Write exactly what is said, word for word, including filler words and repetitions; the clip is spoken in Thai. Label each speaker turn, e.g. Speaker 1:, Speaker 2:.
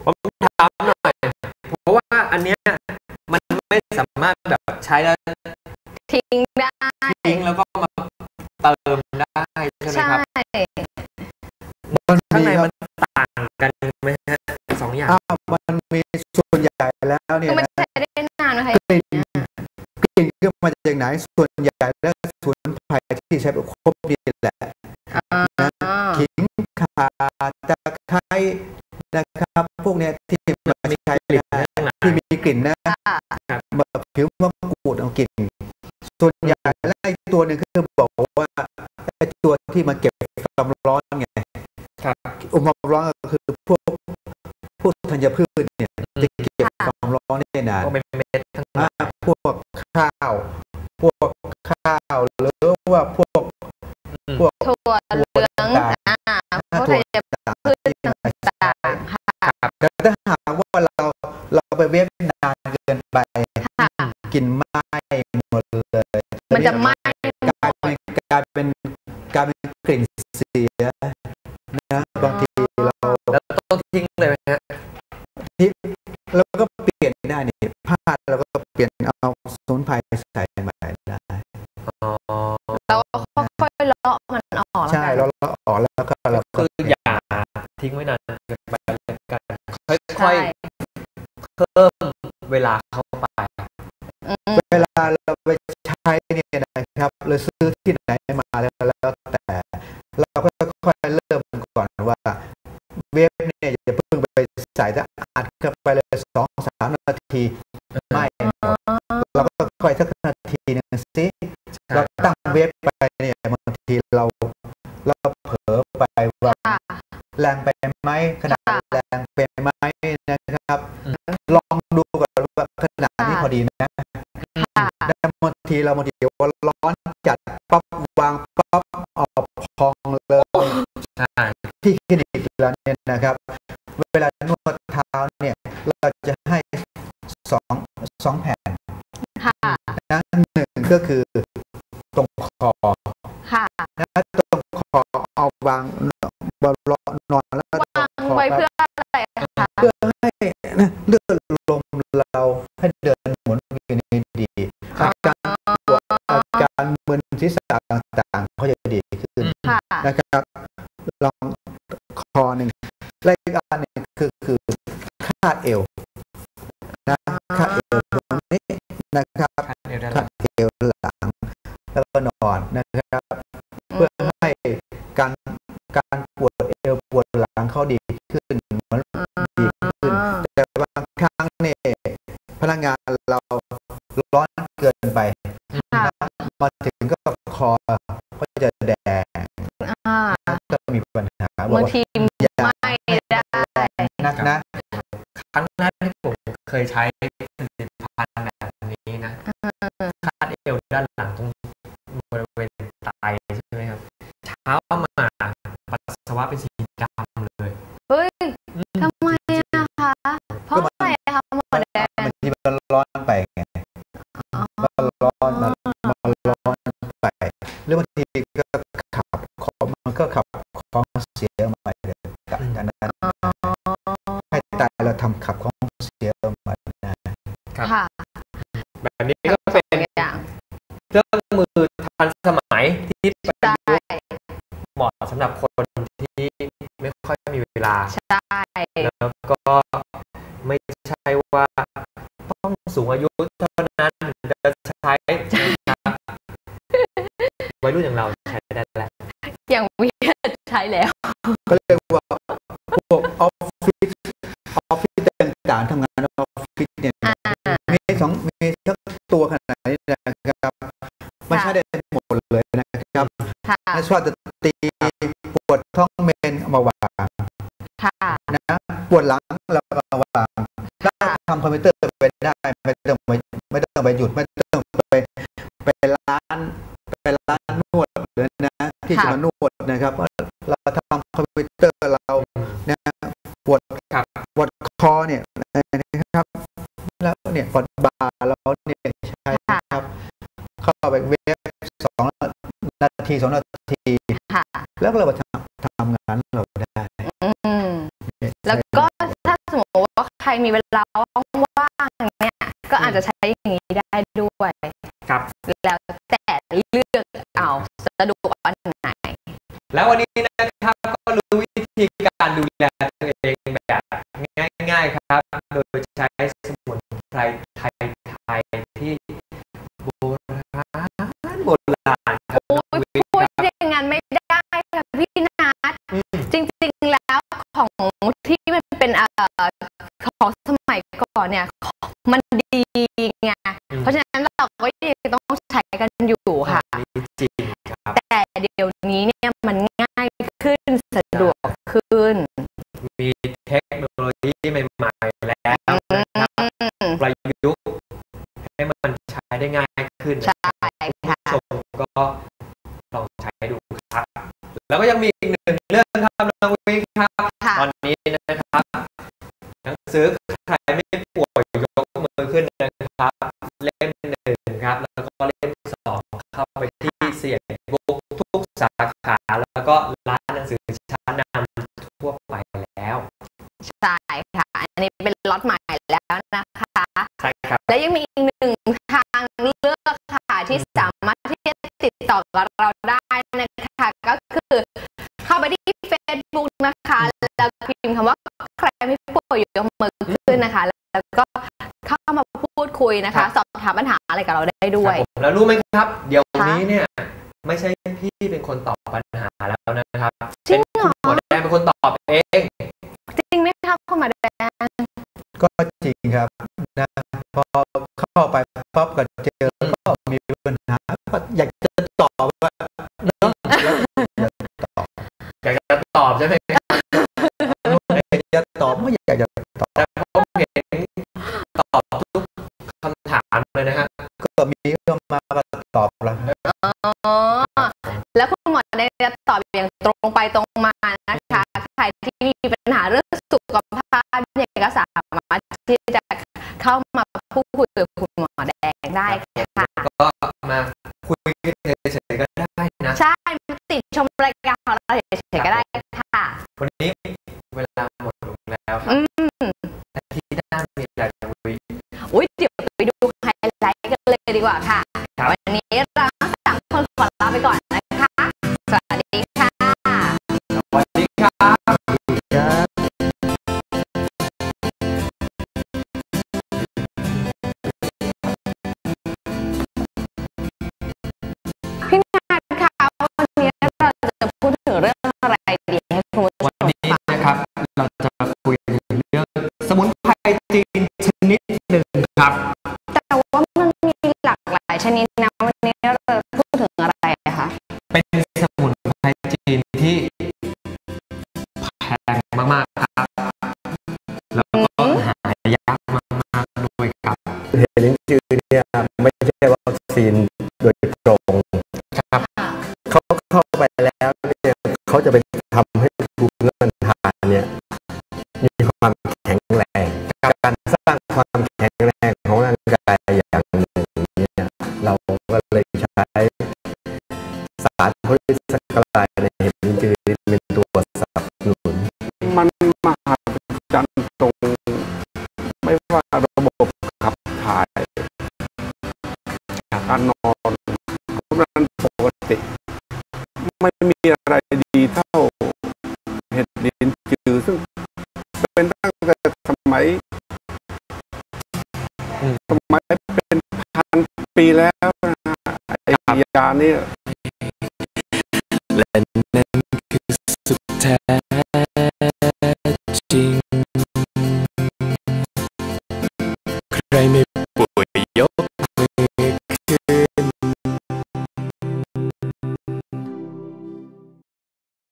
Speaker 1: ผมถามหน่อยเพราะว่าอันเนี้ยมันไม่สามารถแบบใช้แล้ว
Speaker 2: ทิ้งได้
Speaker 1: ทิ้งแล้วก็มาเติมได้ใช่ไหมครับข้างในมันต่างกันไหมฮะสองอย่าง
Speaker 3: มันมีส่วนใหญ่แล้วเนี่ย
Speaker 2: มันใช้ได้นานไหมคะ
Speaker 3: กลิ่นกลิ่นก็มาจากไหนส่วนใหญ่แล้วสมุนไพรที่ใช้ครบนี่แหละขิงข่าตะไคร้นะครับพวกเนี้ยที่มาใช้ที่มีกลิ่นนะแบบผิวมะกรูดเอากลิ่นส่วนใหญ่แล้วไอ้ตัวนึงคือบอกว่าไอ้ตัวที่มาเก็บความร้อนไงอุณหภูมิร้อนก็คือพวกพวกธัญพืชเนี่ยจะเก็บความร้อนได้นานพวกข้าวพวกข้าวหรือว่าพวกพวก
Speaker 2: ถั่วเหลืองอ่าพวกธัญพืชต่างๆค่ะ
Speaker 3: แต่ถ้าหากว่าเราเราไปเวฟนานเกินไปกลิ่นไหม้หมดเลย
Speaker 2: มันจะไหม้
Speaker 3: กลายเป็นกลายเป็นกลายเป็นกลิ่นเสียนะบางทีเรา
Speaker 1: แล้วต้องทิ้งเลยไหมฮะ
Speaker 3: ทิ้งแล้วก็เปลี่ยนได้นี่ผ้าเราก็เปลี่ยนเอาสมุนไพรใส่ใหม่ได้
Speaker 2: เราค่อยๆเลาะมันออก
Speaker 3: ใช่เราเลาะออกแล้วก็เรา
Speaker 1: คืออย่าทิ้งไว้นานเกินไปกันค่อยๆเพิ่มเวลาเข้าไป
Speaker 3: เวลาเราไปใช้เนี่ยนะครับเราซื้อที่ไหนมาแล้วแล้วแต่เราก็ค่อยๆเริ่มก่อนว่าเวฟเนี่ยอย่าเพิ่งไปใส่ถ้าอัดเข้าไปเลยสองสามนาทีไม่เราก็ค่อยสักนาทีนึงสิเราตั้งเวฟไปเนี่ยบางทีเราเราเผลอไปว่าแรงไปไหมขนาดแรงไปไหมนะครับลองดูก่อนว่าขนาดนี้พอดีนะแต่บางทีเราบางทีว่าร้อนจัดปั๊บวางปั๊บออกพองเลยที่คลินิกเราเนี่ยนะครับเวลานวดเท้าเนี่ยเราจะให้สองสองแผ่นนะหนึ่งก็คือตรงคอนะตรงคอเอาวางบนนอนแล้ว
Speaker 2: วางไว้เพื่ออะไรคะ
Speaker 3: เพื่อให้เลือดลมเราให้เดินหมุนเวียนดีอาการปวดอาการมึนศีรษะต่างๆเขาจะดีขึ้นนะครับลองคอหนึ่งและอีกอันหนึ่งคือคือคาดเอวนะคาดเอวตรงนี้นะครับคาดเอวหลังแล้วก็นอนนะครับเพื่อให้การการปวดเอวปวดหลังเขาดีขึ้นมันดีขึ้นแต่บางครั้งเนี่ยพนักงานเราร้อนเกินไปมาถึงก็คอก็จะแดงก็มีปัญหา
Speaker 2: บางทีไม่ได้
Speaker 3: นักนะ
Speaker 1: ครั้งแรกที่ผมเคยใช้ผลิตภัณฑ์แบบนี้นะคาดเอวด้านหลังตรงบริเวณไตใช่ไหมครับเช้ามาปัสสาวะเป็นสีดำเลย
Speaker 2: เฮ้ยทำไมอะคะเพราะอะไรคะหมอแดง
Speaker 3: มันที่มันร้อนไปไงมันร้อนมันมันร้อนไปหรือบางทีก็ขับของมันก็ขับของเสียมาเลยจากนั้นให้ตายเราทำขับของเสียมา
Speaker 1: ครับแบบนี้ก็เป็นเครื่องมือทันสมัยที่ประยุกต์เหมาะสำหรับคนที่ไม่ค่อยมีเวลาแล้วก็ไม่ใช่ว่าต้องสูงอายุเท่านั้นจะใช้วัยรุ่นอย่างเราใช้ได้แล้ว
Speaker 2: อย่างวิทยาใช้แล้ว
Speaker 3: ก็เรียกว่าพวกออฟฟิศออฟฟิศต่างๆทำงานออฟฟิศเนี่ยมีสองมีทั้งตัวขนาดนี้นะครับไม่ใช่ได้หมดเลยนะครับถ้าชอบจะตีปวดท้องเมนเอามาวางนะปวดหลังแล้วก็มาวางถ้าทำคอมพิวเตอร์ไปได้ไม่ต้องไปไม่ต้องไปหยุดไม่ต้องไปไปร้านไปร้านนวดเลยนะที่จะมานวดนะครับเราทำคอมพิวเตอร์เราเนี่ยปวดปวดคอเนี่ยนะครับแล้วเนี่ยปวดบ่าเราเนี่ยใช่ครับเข้าไปเวฟสองนาทีสองนาทีแล้วก็เราทำทำงานเราได้
Speaker 2: แล้วก็ถ้าสมมติรมีเวลาว่างๆเนี่ยก็อาจจะใช้อย่างนี้ได้ด้วย
Speaker 1: ครับ
Speaker 2: แล้วแต่เลือกเอาสะดวกอันไหน
Speaker 1: แล้ววันนี้นะครับก็รู้วิธีการดูแลตัวเองแบบง่ายๆครับโดยใช้สมุนไพรไทยๆที่โบราณโบราณครับ
Speaker 2: พูดอย่างนั้นไม่ได้ค่ะพี่นัทจริงๆแล้วของที่มันเป็นเอ่อของสมัยก่อนเนี่ยมันดีไงเพราะฉะนั้นเราก็ยังต้องใช้กันอยู่ค่ะ
Speaker 1: จริงครับ
Speaker 2: แต่เดี๋ยวนี้เนี่ยมันง่ายขึ้นสะดวกขึ้น
Speaker 1: มีเทคโนโลยีใหม่ๆแล้วนะครับประยุกต์ให้มันใช้ได้ง่ายขึ้น
Speaker 2: ใช่ค่ะ
Speaker 1: ชมก็ลองใช้ดูครับแล้วก็ยังมีอีกหนึ่งเรื่องครับน้องวิครับตอนนี้นะครับหนังสือใครไม่ป่วยยกมือขึ้นนะครับเล่มหนึ่งครับแล้วก็เล่มสองเข้าไปที่เสี่ยงบุ๊กทุกสาขาแล้วก็ร้านหนังสือชั้นนำทั่วไปแล้ว
Speaker 2: ใช่ค่ะอันนี้เป็นล็อตใหม่แล้วนะคะ
Speaker 1: ใช่ครับ
Speaker 2: และยังมีอีกหนึ่งทางเลือกค่ะที่สามารถที่จะติดต่อกับเราได้นะคะก็คือเข้าไปที่ Facebook นะคะแล้วพิมพ์คำว่าใครไม่ป่วยยกมือขึ้นนะคะแล้วก็เข้ามาพูดคุยนะคะสอบถามปัญหาอะไรกับเราได้ด้วย
Speaker 1: แล้วรู้ไหมครับเดี๋ยวนี้เนี่ยไม่ใช่พี่เป็นคนตอบปัญหาแล้วนะครับ
Speaker 2: เป็นคุณหมอ
Speaker 1: แดงเป็นคนตอบเอง
Speaker 2: จริงไหมครับคุณหมอแดง
Speaker 3: ก็จริงครับนะพอเข้าไปปั๊บก็เจอก็มีปัญหาอยากจะตอบว่าเนาะ
Speaker 1: อยากจะตอบใช่ไหม
Speaker 3: อยากจะตอบไม่อยากจะตอบ
Speaker 1: แต่ผมเห็นตอบทุกคำถามเลยนะฮะ
Speaker 3: ก็มีก็มาตอบแล้ว
Speaker 2: อ๋อแล้วคุณหมอได้ตอบอย่างตรงไปตรงมานะคะใครที่มีปัญหาเรื่องสุขภาพเนี่ยก็สามารถที่จะเข้ามาพูดคุยกับคุณหมอแดงได้ค่ะ
Speaker 1: ก็มาคุยกันเฉยๆก็ได้นะ
Speaker 2: ใช่ติดชมรายการของเราเฉยๆก็ได้ค่ะ
Speaker 1: วันนี้เวลาหมดลงแล้วครับอาทิตย์หน้ามีอะไรคุย
Speaker 2: อุ้ยเดี๋ยวไปดูไฮไลท์กันเลยดีกว่าค่ะวันนี้เราสามคนขอลาไปก่อนนะคะสวัสดีค่ะ
Speaker 1: สวัสดีครับ
Speaker 2: พี่นัทค่ะวันนี้เราจะพูดถึงเรื่องอะไรดีให้คุณผู้ชม
Speaker 1: วันนี้นะครับเราจะคุยถึงเรื่องสมุนไพรจีนชนิดหนึ่งครับ
Speaker 2: แต่ว่ามันมีหลากหลายชนิดนะวันนี้เราจะพูดถึงอะไรคะ
Speaker 1: เป็นสมุนไพรจีนที่แพงมากๆครับแล้วก็หายากมากๆด้วยครับ
Speaker 3: เห็นลิ้นจือเนี่ยไม่ใช่วัคซีนโดยตรง
Speaker 1: ครับ
Speaker 3: เขาเข้าไปแล้วเนี่ยเขาจะไปทำให้ภูมิต้านทานเนี่ยมีความแข็งแรงการสร้างความแข็งแรงของร่างกายอย่างหนึ่งเนี่ยเราก็เลยใช้สารโพลิสักลายในเห็ดลิ้นจือเป็นตัวสนับสนุนมันมหัศจรรย์ตรงไม่ว่าระบบขับถ่ายการนอนนั้นปกติไม่มีอะไรดีเท่าเห็ดลิ้นจือซึ่งเป็นตั้งแต่สมัยสมัยเป็นพันปีแล้วนะไอ้ยาเนี่ยและนั่นคือสุดแท้